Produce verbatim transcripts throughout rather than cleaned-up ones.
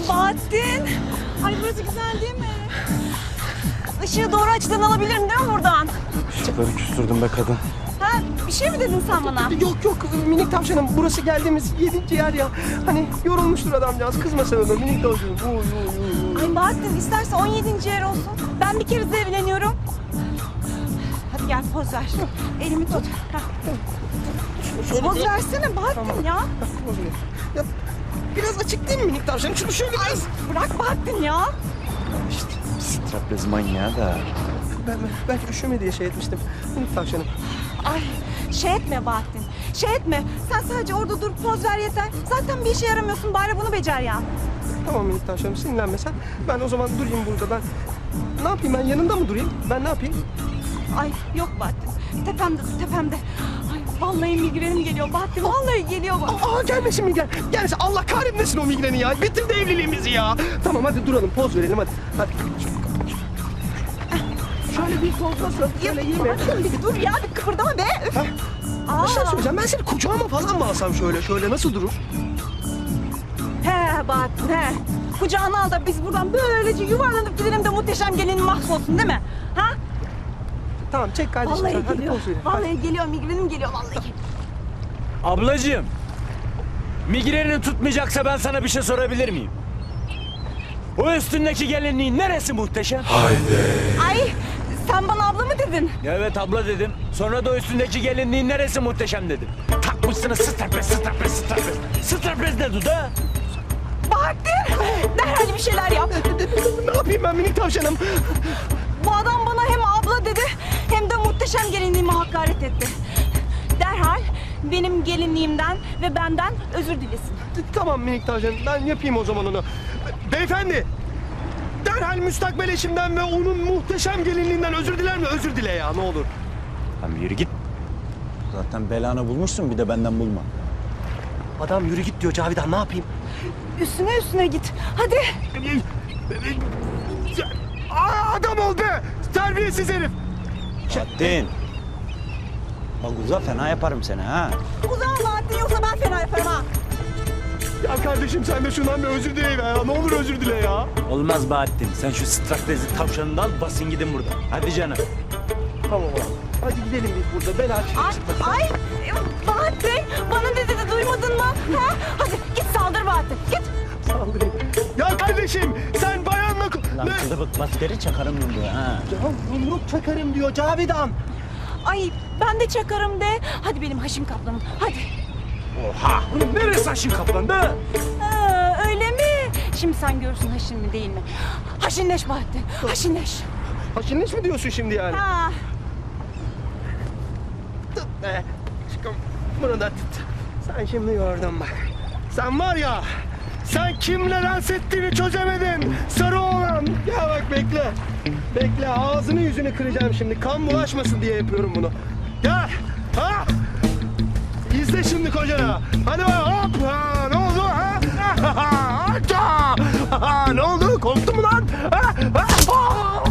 Bahattin. Ay burası güzel değil mi? Işığı doğru açıdan alabilirim değil mi buradan? Işıkları küstürdüm be kadın. Ha, bir şey mi dedin sen bana? Yok yok minik tavşanım, burası geldiğimiz yedinci yer ya. Hani yorulmuştur adamcağız, kızma sen ona minik tavşanım. Uy, uy, uy. Ay Bahattin isterse on yedinci yer olsun. Ben bir kere de evleniyorum. Hadi gel poz ver. Elimi tut. Hah. Poz versene Bahattin ya. Ya, biraz açık değil mi minik tavşanım? Şunu şöyle Ay biraz... bırak Bahattin ya. İşte straplez manyağı da. Ben, belki üşüme diye şey etmiştim minik tavşanım. Ay şey etme Bahattin. Şey etme. Sen sadece orada dur poz ver yeter. Zaten bir işe yaramıyorsun. Bari bunu becer ya. Tamam minik tavşanım, sinirlenme sen. Ben o zaman durayım burada ben. Ne yapayım, ben yanında mı durayım? Ben ne yapayım? Ay yok Bahattin. Tepemde tepemde. Ay vallahi migrenim geliyor Bahattin. Vallahi geliyor bak. Aa gelmesin migren. Gelmesin, Allah kahretmesin o migreni ya. Bitirdi evliliğimizi ya. Tamam hadi duralım, poz verelim hadi. Hadi. Şöyle bir poz nasıl? Şöyle iyi mi? Bahattin bir dur ya bir kıpırdama be. Üf. Ha? Aa. Bir şey söyleyeceğim, ben seni kucağıma falan mı alsam şöyle? Şöyle nasıl durur? He Bahattin he. Kucağına al da biz buradan böylece yuvarlanıp gidelim de muhteşem gelinin mahvolsun değil mi? Ha? Tamam çek kardeşim Vallahi sen. Hadi geliyor. poz verelim. Vallahi geliyor migrenim geliyor vallahi. Ablacığım. Migrenini tutmayacaksa ben sana bir şey sorabilir miyim? O üstündeki gelinliğin neresi muhteşem? Ay sen bana abla mı dedin? Evet abla dedim. Sonra da o üstündeki gelinliğin neresi muhteşem dedim. Takmışsınız straplez, straplez, straplez. Straplez ne duda? Bahattin derhal bir şeyler yap. Ne yapayım ben minik tavşanım? Bu adam bana hem abla dedi hem de muhteşem gelinliğime hakaret etti. Derhal benim gelinliğimden ve benden özür dilesin. Tamam minik tavşanım, ben yapayım o zaman onu. Beyefendi! Derhal müstakbel eşimden ve onun muhteşem gelinliğinden özür diler mi? Özür dile ya, ne olur. Tamam yürü git. Zaten belanı bulmuşsun bir de benden bulma. Adam yürü git diyor Cavidan, ne yapayım? Üstüne üstüne git. Hadi. Aa, adam ol be! Terbiyesiz herif! Bahattin. Bak uza fena yaparım seni ha. Uzan Bahattin yoksa ben fena yaparım ha. Ya kardeşim sen de şundan bir özür dile ya. Ne olur özür dile ya. Olmaz Bahattin. Sen şu straplezi tavşanını da al basın gidin buradan. Hadi canım. Tamam abi. Hadi gidelim biz burada. Bela Ay, ay Bahattin bana dedi de duymadın mı? Ha? Hadi git saldır Bahattin git. saldırayım. Ya kardeşim sen bayanla... Lan Ne? kılıbık maskeri çakarım yumruğu ha. Ya yumruk çakarım diyor Cavidan. Ay ben de çakarım de. Hadi benim Haşim Kaplan'ım hadi. Oha! Bunun neresi Haşin Kaplan be? Ha, öyle mi? Şimdi sen görürsün Haşin mi değil mi? Haşinleş Bahattin haşinleş. Haşinleş mi diyorsun şimdi yani? Ha. Tut be. Çıkım. Bunu da tut. Sen şimdi gördün bak. Sen var ya, sen kimle dans ettiğini çözemedin. Sarı oğlan. Ya bak bekle. Bekle, ağzını yüzünü kıracağım şimdi. Kan bulaşmasın diye yapıyorum bunu. Gel. Ha? İzle şimdi kocana. Hadi bak hop. Ha, ne oldu ha? Ha, ha, ne oldu? Korktun mu lan? Ha? Ha? Ha?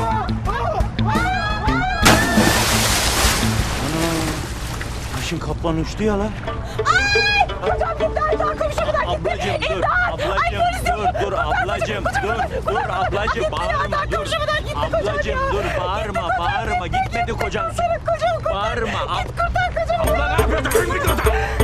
Haşin Kaplan uçtu ya lan. Ay kocam gitti Aydan komşumdan gitti. Ablacığım dur, İmdat! Ay ablacığım polis dur, yok. dur ablacığım dur, dur ablacığım bağırma dur. komşumdan gitti kocam Ablacığım ya. dur bağırma, Gitti kocam. bağırma gitmedi kocan. Senin kocanı kurtar. Bağırma. ab- Git kurtar kocamı. Abla ne yapıyorsun?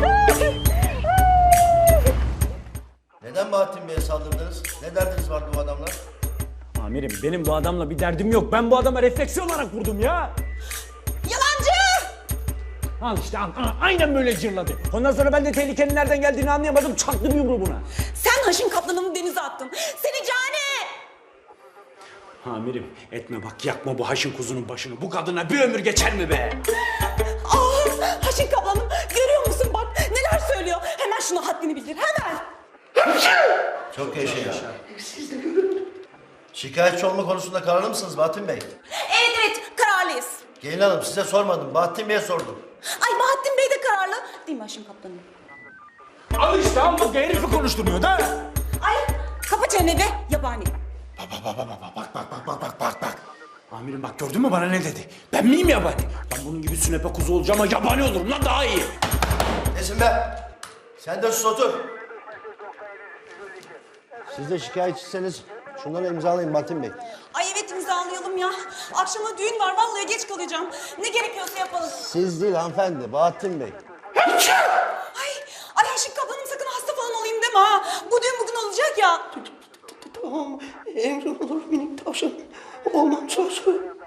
Neden Bahattin Bey'e saldırdınız? Ne derdiniz vardı bu adamlar? Amirim benim bu adamla bir derdim yok. Ben bu adama refleksi olarak vurdum ya. Yalancı. Al işte al, al, aynen böyle cırladı. Ondan sonra ben de tehlikenin nereden geldiğini anlayamadım. Çaktım yumruğu buna. Sen Haşim Kaplan'ını denize attın. Seni cani. Amirim etme bak yakma bu Haşin kuzunun başını. Bu kadına bir ömür geçer mi be? Aa, Haşim Kaplan'ım görüyor musun bak neler söylüyor. Hemen şuna haddini bildir hemen. Çok yaşa ya. Şikayetçi olma konusunda kararlı mısınız Bahattin Bey? Evet evet kararlıyız. Gelin hanım size sormadım. Bahattin Bey'e sordum. Ay Bahattin Bey de kararlı. Değil mi Haşim Kaplan'ım? Al işte al bak herifi konuşturmuyor da. Ay kapa çeneni be yabani. Bak bak bak bak bak bak bak bak bak bak bak. Amirim bak gördün mü bana ne dedi? Ben miyim yabani? Ben bunun gibi sünepe kuzu olacağım ama yabani olurum lan daha iyi. Nesin be? Sen de sus otur. Siz de şikayetçiseniz şunları imzalayın Bahattin Bey. Ay evet imzalayalım ya. Akşama düğün var vallahi geç kalacağım. Ne gerekiyorsa yapalım. Siz değil hanımefendi, Bahattin Bey. Ay, ay Aşık ablanım sakın hasta falan olayım deme ha. Bu düğün bugün olacak ya. Tamam, emrin olur minik tavşan. Olmam söz.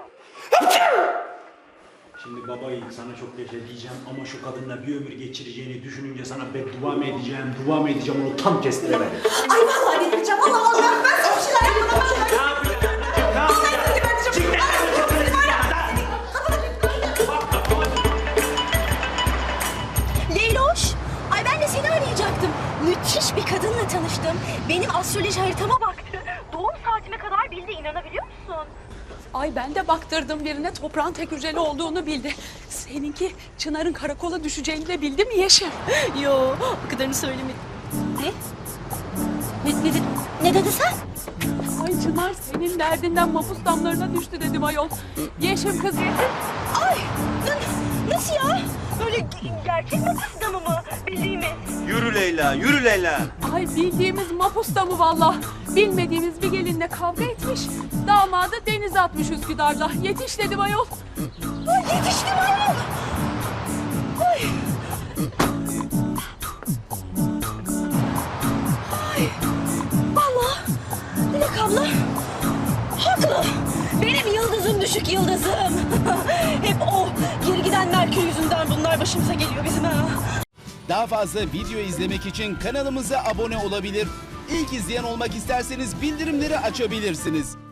Şimdi baba yiğit sana çok yaşa diyeceğim ama şu kadınla bir ömür geçireceğini düşününce sana beddua mı edeceğim, dua mı edeceğim onu tam kestiremedim. Ay vallahi delireceğim. Vallahi vallahi ben sana bir şeyler yapmadan ben Ne yapıyorsun? Ne yapıyorsun? Çık Leyloş, ay ben de seni arayacaktım. Müthiş bir kadınla tanıştım. Benim astroloji haritama baktı. Doğum saatime kadar bildi, inanabiliyor musun? Ay ben de baktırdım birine toprağın tek hücreli olduğunu bildi. Seninki Çınar'ın karakola düşeceğini de bildi mi Yeşim? Yo, o kadarını söylemedim. Ne? Ne, ne, ne dedi sen? Ay Çınar senin derdinden mapus damlarına düştü dedim ayol. Yeşim kız Yeşim. Ay, n- nasıl ya? Böyle ge- gerçek mi kız damı mı? Bildiğimiz. Yürü Leyla, yürü Leyla. Ay bildiğimiz mapus damı valla. Bilmediğimiz bir gelinle kavga etmiş. Damadı denize atmış Üsküdar'da. Yetiş dedim ayol. Ay yetiştim ayol. Ay. Ay. Vallahi Dilek abla haklı. Benim yıldızım düşük yıldızım. Hep o geri giden Merkür yüzünden bunlar başımıza geliyor bizim ha. Daha fazla video izlemek için kanalımıza abone olabilir. İlk izleyen olmak isterseniz bildirimleri açabilirsiniz.